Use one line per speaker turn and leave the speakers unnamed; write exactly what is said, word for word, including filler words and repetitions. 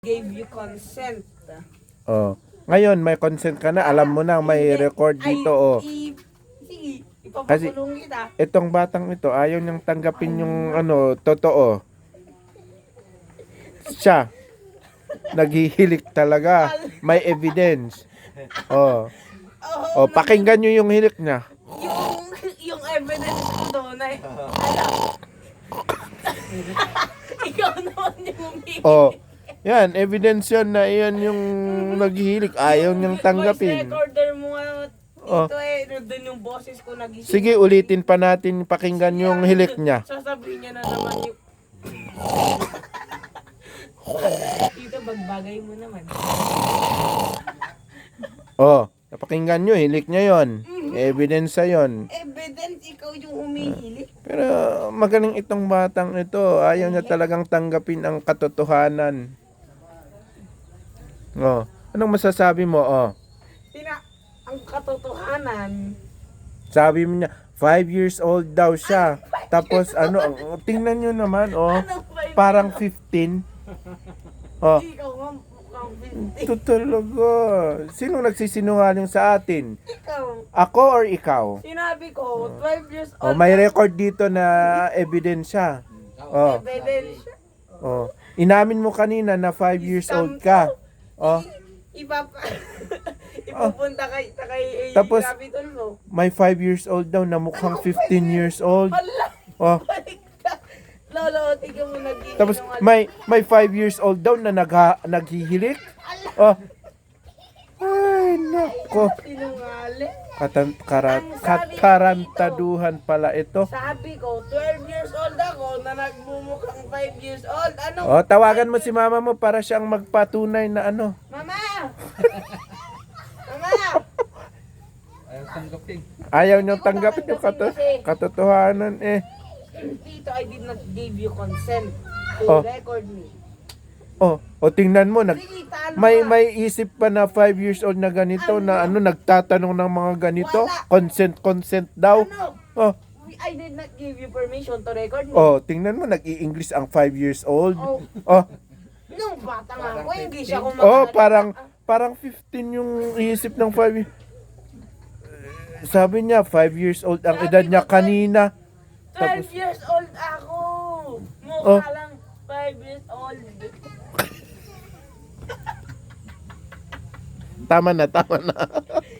Gave you consent.
Oh. Ngayon, may consent ka na. Alam mo na, may record dito. Oh.
I, sige,
Kasi
ipapakulong kita.
itong batang ito, ayaw niyang tanggapin yung ano, totoo. Siya, naghihilik talaga. May evidence. Oh. Oh, pakinggan niyo yung hilik niya.
Yung, yung evidence ko doon ay, ano, ikaw naman yung umiiyak.
Oh. Yan, evidence yan na yan yung naghihilik. Ayaw niyang tanggapin.
Voice recorder mo nga
Oh.
dito eh, nandun yung boses ko nagising.
Sige, ulitin pa natin pakinggan yung hilik niya.
Sasabihin niya na naman yung... Dito, bagbagay mo naman.
Oh, napakinggan nyo, hilik niya yon. Evidence sa yon.
Evidence, ikaw yung umihilik.
Pero magaling itong batang ito. Ayaw niya talagang tanggapin ang katotohanan. Oh, anong masasabi mo? Oh,
Tina, ang katotohanan,
sabi mo niya, five years old daw siya. Tapos ano, ang- tingnan nyo naman, oh,
anong five
parang fifteen. Oh,
ikaw nga mukhang fifty.
ito talaga. Sino nagsisinungaling sa atin?
Ikaw,
Ako or ikaw?
sinabi ko, twelve years
Oh,
old.
may record dito na ebidensya. Oh,
Evidence.
oh. Inamin mo kanina na five years old ka. Oh,
Ipapa... Ipupunta kay, ta kay eh,
Tapos,
Capitol mo.
may five years old daw na mukhang fifteen years old.
Hala!
Oh,
Balik ka! Lolo, tignan mo nagiging
tapos may may five years old daw na nagha, naghihilik. Oh. Ay, nako.
Sinungaling.
Katan, karat, katarantaduhan pala ito.
Sabi ko, twelve years old ako na nagmumukhang five years old. Ano?
Oh, tawagan mo si mama mo para siyang magpatunay na ano.
Mama! Mama!
Ayaw tanggapin.
Ayaw niyong tanggapin yung kato, katotohanan eh.
Tito, I did not give you consent to
Oh.
record me.
Oh, o tingnan mo, nag,
Sige, talo
may
ka.
may isip pa na five years old na ganito na ano nagtatanong ng mga ganito, consent consent daw.
Ano?
Oh,
I did not give you permission to record me.
oh, tingnan mo nag-i-English ang five years old.
Oh.
Oh,
Nung bata nga ako, hindi siya
oh,
kumakalat.
parang parang fifteen yung isip ng five. Sabi niya five years old ang
Sabi
edad niya
ko,
kanina.
twelve
Tapos
years old ako. Mukha
Oh.
lang five years old.
tama na, tama na.